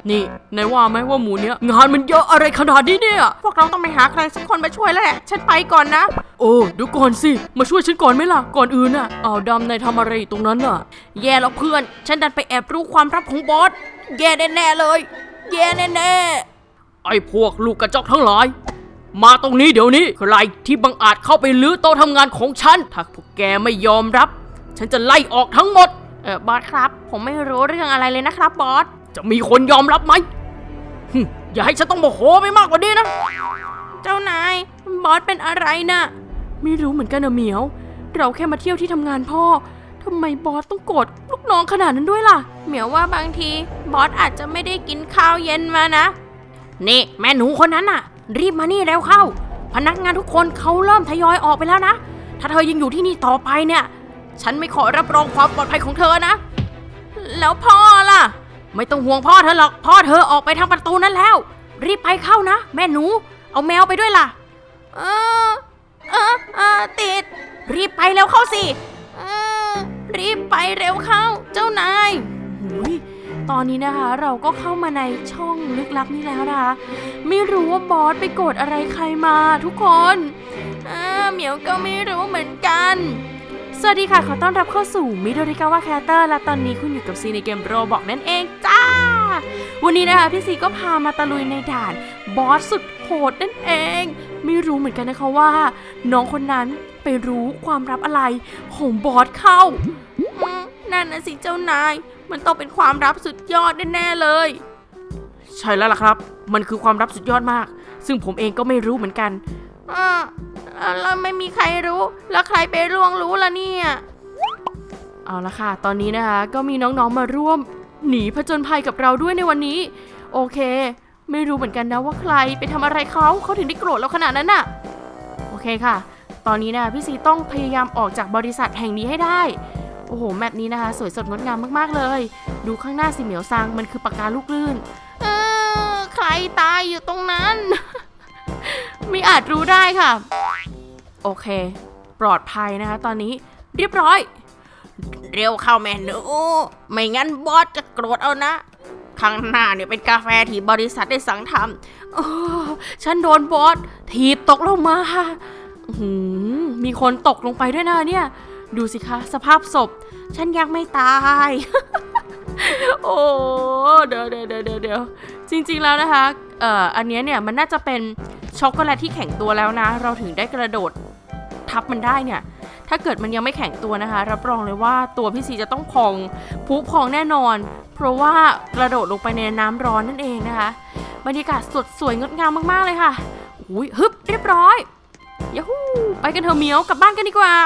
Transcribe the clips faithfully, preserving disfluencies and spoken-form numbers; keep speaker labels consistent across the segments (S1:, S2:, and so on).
S1: นี่นายว่าไหมว่าหมูเนี้ยงานมันเยอะอะไรขนาดนี้เนี่ย
S2: พวกเราต้องไปหาใครสักคนมาช่วยแล้วแหละฉันไปก่อนนะ
S1: โอ้เดี๋ยวก่อนสิมาช่วยฉันก่อนไหมล่ะก่อนอื่นน่ะอ้าวดำนายทำอะไรตรงนั้นน่ะ
S2: แย่แล้วเพื่อนฉันดันไปแอบรู้ความลับของบอสแย่แน่ๆเลยแย่แน่
S1: ๆไอ้พวกลูกกระจอกทั้งหลายมาตรงนี้เดี๋ยวนี้ใครที่บังอาจเข้าไปลื้อโต๊ะทำงานของฉันถ้าพวกแกไม่ยอมรับฉันจะไล่ออกทั้งหมด
S2: เออบอสครับผมไม่รู้เรื่องอะไรเลยนะครับบอส
S1: จะมีคนยอมรับไหมอย่าให้ฉันต้องโมโหไปมากกว่านี้นะ
S2: เจ้านายบอสเป็นอะไรนะ่ะ
S1: ไม่รู้เหมือนกันนะเหมียวเราแค่มาเที่ยวที่ทำงานพ่อทำไมบอสต้องโกรธลูกน้องขนาดนั้นด้วยล่ะ
S2: เหมียวว่าบางทีบอสอาจจะไม่ได้กินข้าวเย็นมานะนี่แม่หนูคนนั้นน่ะรีบมานี่เร็วเข้าพนักงานทุกคนเขาเริ่มทยอยออกไปแล้วนะถ้าเธอยังอยู่ที่นี่ต่อไปเนี่ยฉันไม่ขอรับรองความปลอดภัยของเธอนะแล้วพ่อล่ะไม่ต้องห่วงพ่อเธอหรอกพ่อเธอออกไปทางประตูนั้นแล้วรีบไปเข้านะแม่หนูเอาแมวไปด้วยล่ะเออเออเออติดรีบไปเร็วเข้าสิเออรีบไปเร็วเข้าเจ้านาย
S1: หุยตอนนี้นะคะเราก็เข้ามาในช่องลึกลับนี้แล้วนะคะไม่รู้ว่าบอสไปโกรธอะไรใครมาทุกคน
S2: เออเหมียวก็ไม่รู้เหมือนกัน
S1: สวัสดีค่ะขอต้อนรับเข้าสู่มิโดริกาวะแคสเตอร์และตอนนี้คุณอยู่กับซีในเกมโรบอกนั่นเองจ้าวันนี้นะคะพี่ซีก็พามาตะลุยในด่านบอสสุดโหดนั่นเองไม่รู้เหมือนกันนะคะว่าน้องคนนั้นไปรู้ความลับอะไรของบอสเข้า
S2: นั่นนะสิเจ้านายมันต้องเป็นความลับสุดยอดแน่ๆเลย
S1: ใช่แล้วล่ะครับมันคือความลับสุดยอดมากซึ่งผมเองก็ไม่รู้เหมือนกัน
S2: อ่าแล้วไม่มีใครรู้แล้วใครไปล่วงรู้ล่ะเนี่ย
S1: เอาละค่ะตอนนี้นะคะก็มีน้องๆมาร่วมหนีผจญภัยกับเราด้วยในวันนี้โอเคไม่รู้เหมือนกันนะว่าใครไปทำอะไรเขาเขาถึงได้โกรธเราขนาดนั้นน่ะโอเคค่ะตอนนี้นะพี่ซีต้องพยายามออกจากบริษัทแห่งนี้ให้ได้โอ้โหแมปนี้นะคะสวยสดงดงามมากๆเลยดูข้างหน้าสิเหมียวซังมันคือปากกาลูกลื่น
S2: เออใครตายอยู่ตรงนั้น
S1: ไม่อาจรู้ได้ค่ะโอเคปลอดภัยนะคะตอนนี้เรียบร้อย
S2: เร็วเข้าแม่หนูไม่งั้นบอสจะโกรธเอานะข้างหน้าเนี่ยเป็นกาแฟที่บริษัทได้สั่งทำ
S1: โอ้ฉันโดนบอสถีบตกลงมาค่ะมีคนตกลงไปด้วยนะเนี่ยดูสิคะสภาพศพ
S2: ฉันยังไม่ตาย
S1: โอ้เดี๋ยวเดี๋ยวเดี๋ยวเดี๋ยวจริงๆแล้วนะคะเอ่ออันนี้เนี่ยมันน่าจะเป็นช็อกโกแลตที่แข็งตัวแล้วนะเราถึงได้กระโดดทับมันได้เนี่ยถ้าเกิดมันยังไม่แข็งตัวนะคะรับรองเลยว่าตัวพี่ซีจะต้องพองพุพองแน่นอนเพราะว่ากระโดดลงไปในน้ำร้อนนั่นเองนะคะบรรยากาศสดสวยงดงามมากๆเลยค่ะอุ้ยฮึบเรียบร้อยยาฮูไปกันเถอะเหมียวกลับบ้านกันดีกว่า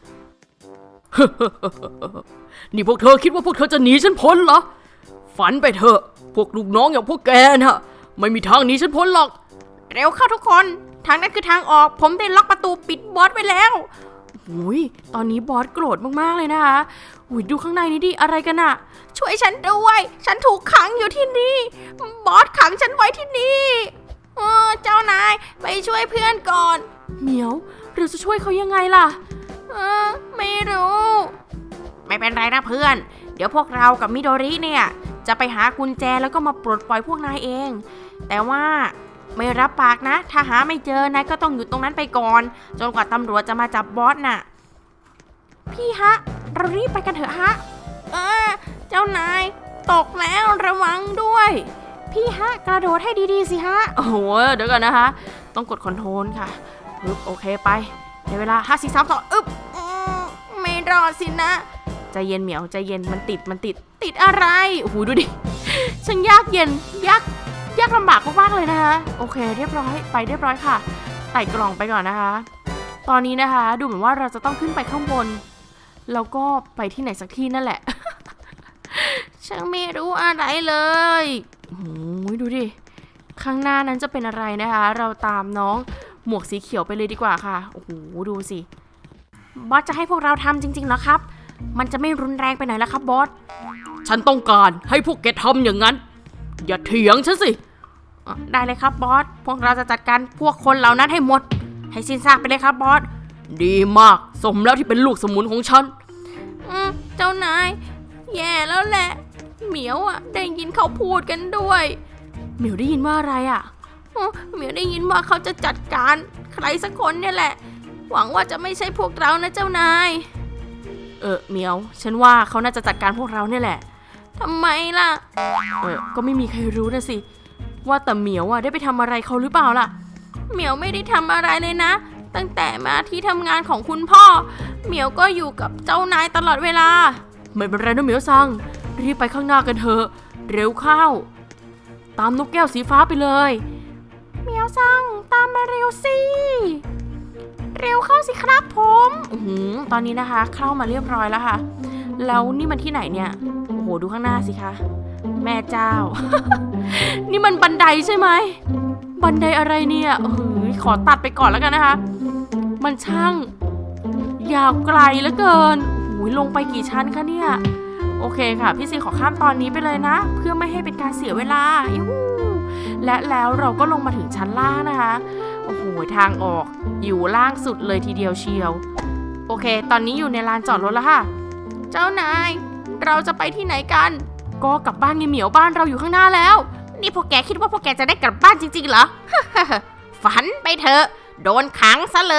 S1: นี่พวกเธอคิดว่าพวกเธอจะหนีฉันพ้นเหรอฝันไปเถอะพวกลูกน้องอย่างพวกแกน่ะไม่มีทางหนีฉันพ้นหรอก
S2: เร็วเข้าทุกคนทางนั้นคือทางออกผมได้ล็อกประตูปิดบอสไว้แล้ว
S1: อุ้ยตอนนี้บอสโกรธมากๆเลยนะคะอุ้ยดูข้างในนี้ดิอะไรกันอะ
S2: ช่วยฉันด้วยฉันถูกขังอยู่ที่นี่บอสขังฉันไว้ที่นี่เออเจ้านายไปช่วยเพื่อนก่อน
S1: เหมียวเราจะช่วยเขายังไงล่ะ
S2: เออไม่รู้ไม่เป็นไรนะเพื่อนเดี๋ยวพวกเรากับมิโดริเนี่ยจะไปหากุญแจแล้วก็มาปลดปล่อยพวกนายเองแต่ว่าไม่รับปากนะถ้าหาไม่เจอนายก็ต้องอยู่ตรงนั้นไปก่อนจนกว่าตำรวจจะมาจับบอสน่ะพี่ฮะเรารีบไปกันเถอะฮะเออเจ้านายตกแล้วระวังด้วยพี่ฮะกระโดดให้ดีๆสิฮะ
S1: โอ้โหเดี๋ยวก่อนนะคะต้องกดคอนโทรลค่ะปึ๊บโอเคไปในเวลาห้า สี่ สาม สองอึ๊บ
S2: ไม่รอดสินะ
S1: ใจเย็นเหมียวใจเย็นมันติดมันติด
S2: ติดอะไร
S1: โอ้โหดูดิช่างยากเย็นยากยากลำบากมากๆเลยนะคะโอเคเรียบร้อยไปเรียบร้อยค่ะไต่กล่องไปก่อนนะคะตอนนี้นะคะดูเหมือนว่าเราจะต้องขึ้นไปข้างบนแล้วก็ไปที่ไหนสักที่นั่นแหละ
S2: ฉันไม่รู้อะไรเลย
S1: โอ้ยดูดิข้างหน้านั้นจะเป็นอะไรนะคะเราตามน้องหมวกสีเขียวไปเลยดีกว่าค่ะโอ้โหดูสิ
S2: บอสจะให้พวกเราทำจริงๆเหรอครับมันจะไม่รุนแรงไปไหนแล้วครับบอส
S1: ฉันต้องการให้พวกแกทำอย่างนั้นอย่าเถียงฉันสิ
S2: ได้เลยครับบอสพวกเราจะจัดการพวกคนเหล่านั้นให้หมดให้สิ้นซากไปเลยครับบอส
S1: ดีมากสมแล้วที่เป็นลูกสมุนของฉัน
S2: อืมเจ้านายแย่แล้วแหละเหมียวอ่ะได้ยินเขาพูดกันด้วย
S1: เหมียวได้ยินว่าอะไรอ่ะ
S2: อ๋อเหมียวได้ยินว่าเขาจะจัดการใครสักคนเนี่ยแหละ หวังว่าจะไม่ใช่พวกเรานะเจ้านาย
S1: เออเหมียวฉันว่าเขาน่าจะจัดการพวกเราเนี่ยแหละ
S2: ทำไมล่ะ
S1: เออก็ไม่มีใครรู้นะสิว่าแต่เหมียวอ่ะได้ไปทำอะไรเขาหรือเปล่าล่ะ
S2: เหมียวไม่ได้ทำอะไรเลยนะ ตั้งแต่มาที่ทำงานของคุณพ่อ เหมียวก็อยู่กับเจ้านายตลอดเวลา
S1: ไม่เป็นไรนะเหมียวซังรีบไปข้างหน้ากันเถอะเร็วเข้า ตามนกแก้วสีฟ้าไปเลย
S2: เหมียวซังตามมาเร็วสิ เร็วเข้าสิครับผม
S1: อือหือตอนนี้นะคะเข้ามาเรียบร้อยแล้วค่ะ แล้วนี่มันที่ไหนเนี่ยโอ้โหดูข้างหน้าสิคะแม่เจ้า นี่มันบันไดใช่ไหมบันไดอะไรเนี่ยเออขอตัดไปก่อนแล้วกันนะคะ มันช่างยาวไกลเหลือเกินโอ้ยลงไปกี่ชั้นคะเนี่ยโอเคค่ะพี่ซีขอข้ามตอนนี้ไปเลยนะ เพื่อไม่ให้เป็นการเสียเวลายูหูและแล้วเราก็ลงมาถึงชั้นล่างนะคะโอ้โหทางออกอยู่ล่างสุดเลยทีเดียวเชียวโอเคตอนนี้อยู่ในลานจอดรถแล้วค่ะ
S2: เจ้านาย เราจะไปที่ไหนกัน
S1: ก็กลับบ้านไงเหมียวบ้านเราอยู่ข้างหน้าแล้ว
S2: นี่พวกแกคิดว่าพวกแกจะได้กลับบ้านจริงๆเหรอ ฝันไปเถอะโดนขังซะเลย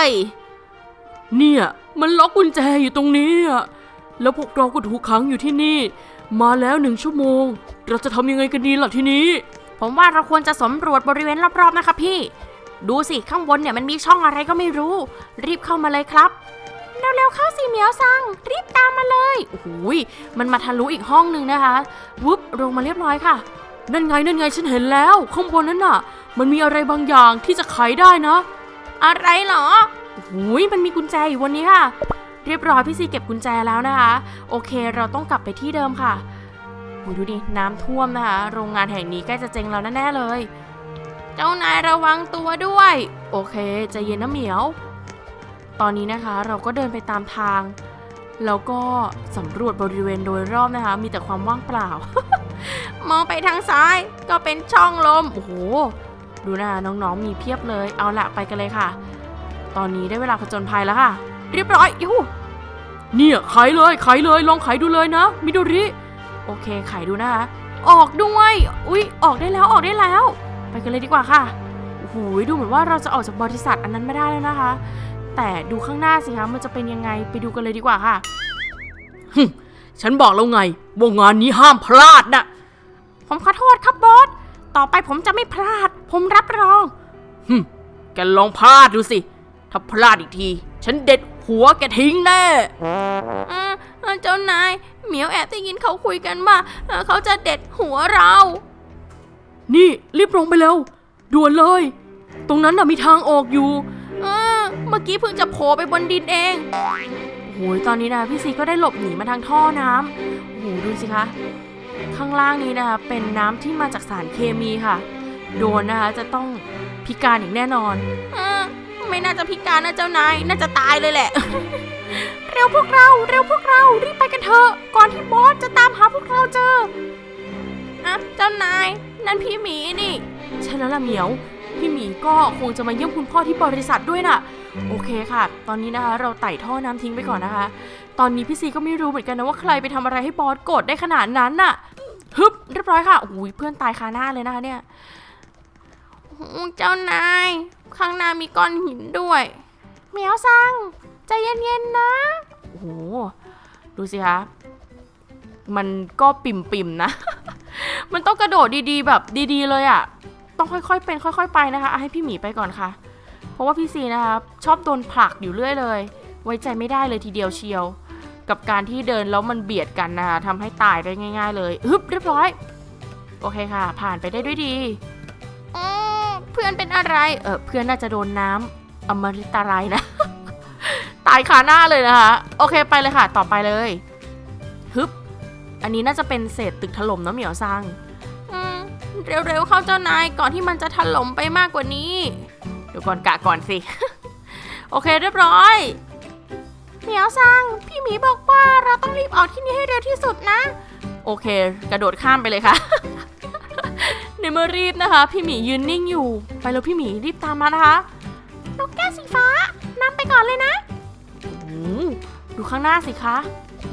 S1: เนี่ยมันล็อกกุญแจอยู่ตรงนี้อะแล้วพวกเราก็ถูกขังอยู่ที่นี่ มาแล้วหนึ่งชั่วโมงเราจะทำยังไงกันดีล่ะทีนี้
S2: ผมว่าเราควรจะสำรวจบริเวณรอบๆนะคะพี่ ดูสิข้างบนเนี่ยมันมีช่องอะไรก็ไม่รู้ รีบเข้ามาเลยครับเร็วๆเข้าสิเหมียวซังรีบตามมาเลย
S1: โอ้โหยมันมาทะลุอีกห้องหนึ่งนะคะวุบลงมาเรียบร้อยค่ะนั่นไงนั่นไงฉันเห็นแล้วข้างบนนั้นน่ะมันมีอะไรบางอย่างที่จะไขได้นะ
S2: อะไรเหรอ
S1: โอ้โหยมันมีกุญแจอยู่วันนี้ค่ะเรียบร้อยพี่ซีเก็บกุญแจแล้วนะคะโอเคเราต้องกลับไปที่เดิมค่ะโอ้ยดูดิน้ำท่วมนะคะโรงงานแห่งนี้ใกล้จะเจ๊งแล้วแน่ๆเลย
S2: เจ้านายระวังตัวด้วย
S1: โอเคใจเย็นนะเหมียว ตอนนี้นะคะเราก็เดินไปตามทาง แล้วก็สำรวจบริเวณโดยรอบนะคะ มีแต่ความว่างเปล่า
S2: มองไปทางซ้ายก็เป็นช่องลม
S1: โอ้โห ดูนะคะน้องๆมีเพียบเลย เอาละไปกันเลยค่ะ ตอนนี้ได้เวลาผจญภัยแล้วค่ะ เรียบร้อยยูเนี่ยไขเลยไขเลยลองไขดูเลยนะมิโดริ โอเคไขดูนะคะ ออกด้วย อุ๊ยออกได้แล้วออกได้แล้ว ไปกันเลยดีกว่าค่ะ โอ้โหดูเหมือนว่าเราจะออกจากบริษัทอันนั้นไม่ได้แล้วนะคะ แต่ดูข้างหน้าสิคะมันจะเป็นยังไงไปดูกันเลยดีกว่าค่ะ ฉันบอกแล้วไงว่างานนี้ห้ามพลาดนะ
S2: ผมขอโทษครับบอส ต่อไปผมจะไม่พลาด ผมรับรอง
S1: ฮึมแกลองพลาดดูสิ ถ้าพลาดอีกที ฉันเด็ดหัวแกทิ้งแน่
S2: เออเจ้านายเหมียวแอบได้ยินเขาคุยกันว่าเอ่อเขาจะเด็ดหัวเรา
S1: นี่รีบลงไปเร็วด่วนเลย ตรงนั้นน่ะมีทางออกอยู่
S2: เออเมื่อกี้เพิ่งจะโผล่ไปบนดินเอง
S1: โอ้ยตอนนี้นะพี่ซีก็ได้หลบหนีมาทางท่อน้ำโอ้โหดูสิคะข้างล่างนี้นะคะเป็นน้ำที่มาจากสารเคมีค่ะ โดนนะคะจะต้องพิการอย่างแน่นอน
S2: เออไม่น่าจะพิการนะเจ้านาย น่าจะตายเลยแหละ เร็วพวกเรา เร็วพวกเรา รีบไปกันเถอะ ก่อนที่บอสจะตามหาพวกเราเจออะเจ้านาย นั่นพี่หมีนี่
S1: ใช่แล้วล่ะเหมียว พี่หมีก็คงจะมาเยี่ยมคุณพ่อที่บริษัทด้วยน่ะ โอเคค่ะ ตอนนี้นะคะเราไต่ท่อน้ำทิ้งไปก่อนนะคะ ตอนนี้พี่ซีก็ไม่รู้เหมือนกันนะว่าใครไปทำอะไรให้บอสโกรธได้ขนาดนั้นน่ะ ฮึบเรียบร้อยค่ะโอ้ยเพื่อนตายคาหน้าเลยนะคะเนี่ย
S2: เจ้านาย ข้างหน้ามีก้อนหินด้วยเหมียวซังใจเย็นๆนะ
S1: โอ้โห ดูสิคะ มันก็ปิ่มๆนะ มันต้องกระโดดดีๆแบบดีๆเลยอ่ะ ต้องค่อยๆเป็นค่อยๆไปนะคะเอาให้พี่หมีไปก่อนค่ะ เพราะว่าพี่ซีนะคะชอบโดนผลักอยู่เรื่อยเลย ไว้ใจไม่ได้เลยทีเดียวเชียว กับการที่เดินแล้วมันเบียดกันนะคะทำให้ตายได้ง่ายๆเลยฮึบเรียบร้อย โอเคค่ะ ผ่านไปได้ด้วยดี
S2: เพื่อนเป็นอะไร
S1: เออเพื่อนน่าจะโดนน้ำอมฤตอะไรนะ ตายคาหน้าเลยนะคะ โอเคไปเลยค่ะ ต่อไปเลยฮึบอันนี้น่าจะเป็นเศษตึกถล่มนะเหมียวซัง
S2: อืมเร็วๆเข้าเจ้านายก่อนที่มันจะถล่มไปมากกว่านี้
S1: เดี๋ยวก่อนกะก่อนสิ โอเคเรียบร้อย
S2: เหมียวซังพี่หมีบอกว่าเราต้องรีบออกที่นี่ให้เร็วที่สุดนะ
S1: โอเค กระโดดข้ามไปเลยค่ะ ในเมื่อรีบนะคะ พี่หมียืนนิ่งอยู่ ไปแล้วพี่หมีรีบตามมานะคะ
S2: นกแก้วสีฟ้านำไปก่อนเลยนะ
S1: โอ้โหดูข้างหน้าสิคะ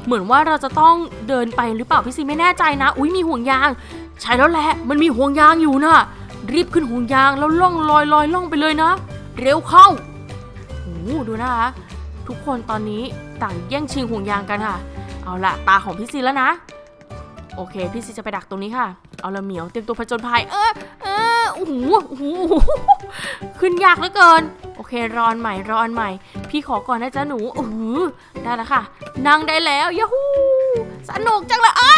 S1: เหมือนว่าเราจะต้องเดินไปหรือเปล่าพี่ซีไม่แน่ใจนะอุ๊ยมีห่วงยางใช่แล้วแหละมันมีห่วงยางอยู่นะรีบขึ้นห่วงยางแล้วล่องลอยลอยล่องไปเลยนะเร็วเข้าโอ้ดูนะคะทุกคนตอนนี้ต่างแย่งชิงห่วงยางกันค่ะเอาละตาของพี่ซีแล้วนะโอเคพี่ซีจะไปดักตรงนี้ค่ะเอาละเหมียวเตรียมตัวผจญภัยเออเออโอ้โหโอ้โหขึ้นยากเหลือเกินโอเครอนใหม่รอนใหม่พี่ขอก่อนนะจ๊ะหนูโอ้โหได้แล้วค่ะนั่งได้แล้วยาฮูสนุกจังเลยอ้า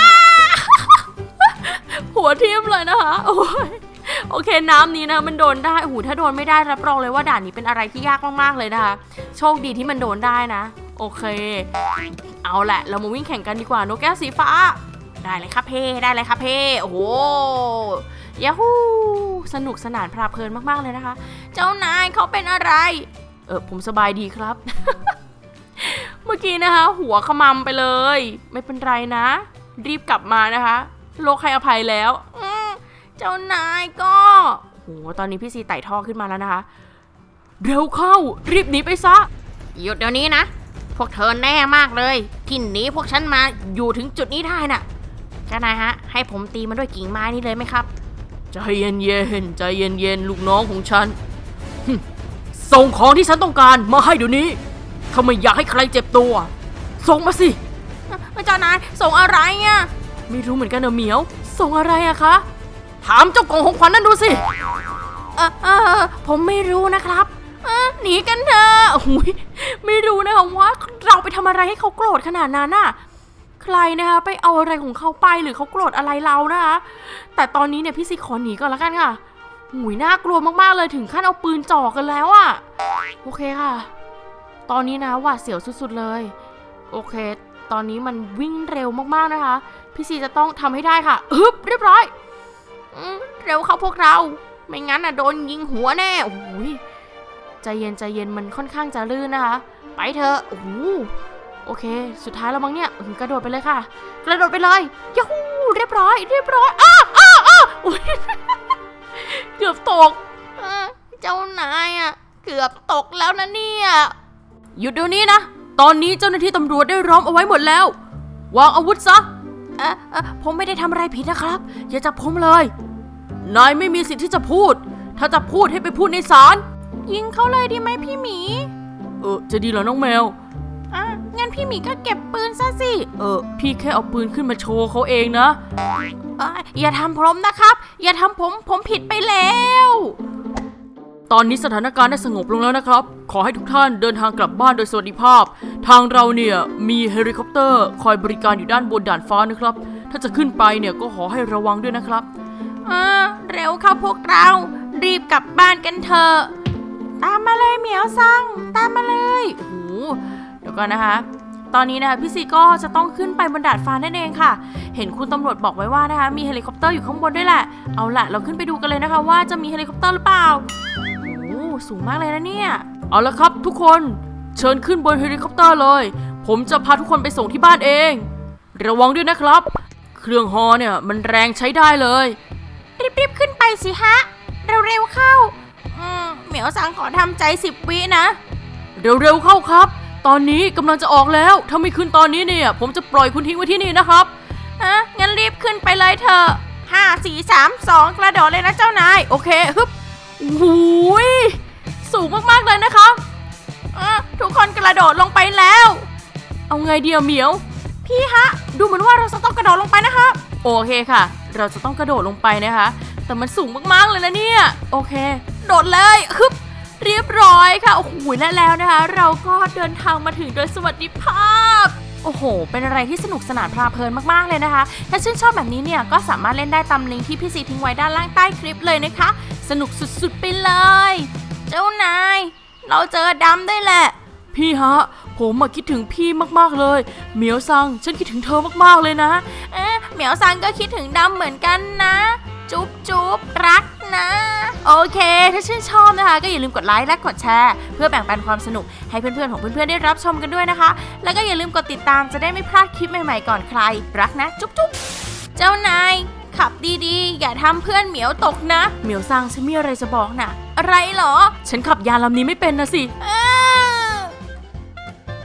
S1: หัวทิ่มเลยนะคะโอ้ยโอเคน้ำนี้นะมันโดนได้โอ้โหถ้าโดนไม่ได้รับรองเลยว่าด่านนี้เป็นอะไรที่ยากมากๆเลยนะคะโชคดีที่มันโดนได้นะโอเคเอาแหละเรามาวิ่งแข่งกันดีกว่านกแก้วสีฟ้าได้เลยครับเพ่ได้เลยครับเพ่โอ้โหยาฮูสนุกสนานเพลิดเพลินมากๆเลยนะคะเจ้านายเขาเป็นอะไรเออผมสบายดีครับ เมื่อกี้นะคะหัวขมำไปเลยไม่เป็นไรนะรีบกลับมานะคะโลกให้อภัยแล้วเจ้านายก็โหตอนนี้พี่ซีไต่ท่อขึ้นมาแล้วนะคะเร็วเข้ารีบหนีไปซะหยุดเดี๋ยวนี้นะพวกเธอแน่มากเลยที่หนีพวกฉันมาอยู่ถึงจุดนี้ได้น่ะเจ้านายฮะให้ผมตีมันด้วยกิ่งไม้นี่เลยไหมครับใจเย็นเย็นใจเย็นเย็นลูกน้องของฉันส่งของที่ฉันต้องการมาให้เดี๋ยวนี้ถ้าไม่อยากให้ใครเจ็บตัวส่งมาสิเจ้านายส่งอะไรอ่ะไม่รู้เหมือนกันเนอะเหมียวส่งอะไรอะคะถามเจ้ากล่องของขวัญนั่นดูสิเออเออผมไม่รู้นะครับเออหนีกันเถอะโอ้ยไม่รู้นะคะว่าเราไปทำอะไรให้เขาโกรธขนาดนั้นน่ะใครนะคะไปเอาอะไรของเขาไปหรือเขาโกรธอะไรเรานะคะแต่ตอนนี้เนี่ยพี่ซีขอหนีก่อนแล้วกันค่ะหุยน่ากลัวมากๆเลยถึงขั้นเอาปืนจ่อกันแล้วอะโอเคค่ะตอนนี้นะหวาดเสียวสุดๆเลยโอเคตอนนี้มันวิ่งเร็วมากๆนะคะพี่ซีจะต้องทำให้ได้ค่ะฮึบเรียบร้อยเร็วเข้าพวกเราไม่งั้นน่ะโดนยิงหัวแน่โอ้ยใจเย็นใจเย็นมันค่อนข้างจะลื่นนะคะไปเถอะโอ้โหโอเคสุดท้ายแล้วมั้งเนี่ยกระโดดไปเลยค่ะกระโดดไปเลยยูหูเรียบร้อยเรียบร้อยอ้าอ้าอ้าเกือบตกเจ้านายอ่ะเกือบตกแล้วนะเนี่ยหยุดเดี๋ยวนี้นะตอนนี้เจ้าหน้าที่ตำรวจได้ล้อมเอาไว้หมดแล้ววางอาวุธซะเออเออผมไม่ได้ทำอะไรผิดนะครับอย่าจับผมเลยนายไม่มีสิทธิ์ที่จะพูดถ้าจะพูดให้ไปพูดในศาลยิงเขาเลยดีไหมพี่หมีเออจะดีเหรอน้องแมวอ่ะงั้นพี่หมีก็เก็บปืนซะสิเออพี่แค่เอาปืนขึ้นมาโชว์เขาเองนะเอออย่าทำผมนะครับอย่าทำผมผมผิดไปแล้วตอนนี้สถานการณ์ได้สงบลงแล้วนะครับขอให้ทุกท่านเดินทางกลับบ้านโดยสวัสดิภาพทางเราเนี่ยมีเฮลิคอปเตอร์คอยบริการอยู่ด้านบนด่านฟ้านะครับถ้าจะขึ้นไปเนี่ยก็ขอให้ระวังด้วยนะครับอ่าเร็วเข้าพวกเรารีบกลับบ้านกันเถอะตามมาเลยเหมียวซังตามมาเลยโอ้โหเดี๋ยวก่อนนะคะตอนนี้นะคะพี่ซีก็จะต้องขึ้นไปบนดาดฟ้านั่นเองค่ะเห็นคุณตำรวจบอกไว้ว่านะคะมีเฮลิคอปเตอร์อยู่ข้างบนด้วยแหละเอาล่ะเราขึ้นไปดูกันเลยนะคะว่าจะมีเฮลิคอปเตอร์หรือเปล่าโอ้สูงมากเลยนะเนี่ยเอาละครับทุกคนเชิญขึ้นบนเฮลิคอปเตอร์เลยผมจะพาทุกคนไปส่งที่บ้านเองระวังด้วยนะครับเครื่องฮอเนี่ยมันแรงใช้ได้เลยรีบๆขึ้นไปสิฮะเร็วๆเข้าอืมเหมียวสังขอทำใจสิบวินะเร็วๆเข้าครับตอนนี้กำลังจะออกแล้วถ้าไม่ขึ้นตอนนี้เนี่ยผมจะปล่อยคุณทิ้งไว้ที่นี่นะครับอ่ะงั้นรีบขึ้นไปเลยเถอะห้าสี่สามสองกระโดดเลยนะเจ้านายโอเคฮึบโอ้ยสูงมากๆเลยนะคะอ่ะทุกคนกระโดดลงไปแล้วเอาไงเดียวเหมียวพี่ฮะดูเหมือนว่าเราจะต้องกระโดดลงไปนะคะโอเคค่ะเราจะต้องกระโดดลงไปนะคะแต่มันสูงมากๆเลยนะเนี่ยโอเคโดดเลยฮึบเรียบร้อยค่ะโอ้โหและแล้วนะคะเราก็เดินทางมาถึงโดยสวัสดิภาพโอ้โหเป็นอะไรที่สนุกสนานเพลิดเพลินมากๆเลยนะคะถ้าชื่นชอบแบบนี้เนี่ยก็สามารถเล่นได้ตามลิงก์ที่พี่ซีทิ้งไว้ด้านล่างใต้คลิปเลยนะคะสนุกสุดๆไปเลยเจ้านายเราเจอดำได้แหละพี่ฮะผมมาคิดถึงพี่มากๆเลยเหมียวซังฉันคิดถึงเธอมากๆเลยนะเอ๊ะเหมียวซังก็คิดถึงดำเหมือนกันนะจุ๊บจุ๊บรักนะโอเคถ้าชื่นชอบนะคะก็อย่าลืมกดไลค์และกดแชร์เพื่อแบ่งปันความสนุกให้เพื่อนๆของเพื่อนๆได้รับชมกันด้วยนะคะแล้วก็อย่าลืมกดติดตามจะได้ไม่พลาดคลิปใหม่ๆก่อนใครรักนะจุ๊บจุ๊บเจ้านายขับดีๆอย่าทำเพื่อนเหมียวตกนะเหมียวซังฉันมีอะไรจะบอกนะอะไรเหรอฉันขับยานลำนี้ไม่เป็นนะสิ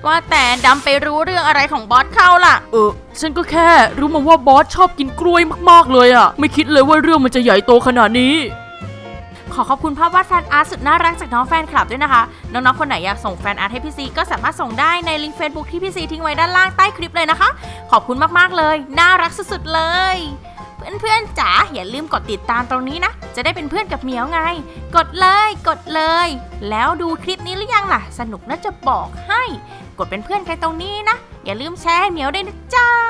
S2: ว่าแต่ดำไปรู้เรื่องอะไรของบอสเข้าล่ะ
S1: เออฉันก็แค่รู้มาว่าบอสชอบกินกล้วยมากๆเลยอะไม่คิดเลยว่าเรื่องมันจะใหญ่โตขนาดนี้
S2: ขอขอบคุณภาพวาดแฟนอาร์ตสุดน่ารักจากน้องแฟนคลับด้วยนะคะน้องๆคนไหนอยากส่งแฟนอาร์ตให้พี่ซีก็สามารถส่งได้ในลิงก์ Facebook ที่พี่ซีทิ้งไว้ด้านล่างใต้คลิปเลยนะคะขอบคุณมากๆเลยน่ารักสุดๆเลยเพื่อนๆจ๋าอย่าลืมกดติดตามตรงนี้นะจะได้เป็นเพื่อนกับเหมียวไงกดเลยกดเลยแล้วดูคลิปนี้หรือยังล่ะสนุกน่าจะบอกให้กดเป็นเพื่อนกันตรงนี้นะอย่าลืมแชร์ให้เหมียวด้วยนะจ้า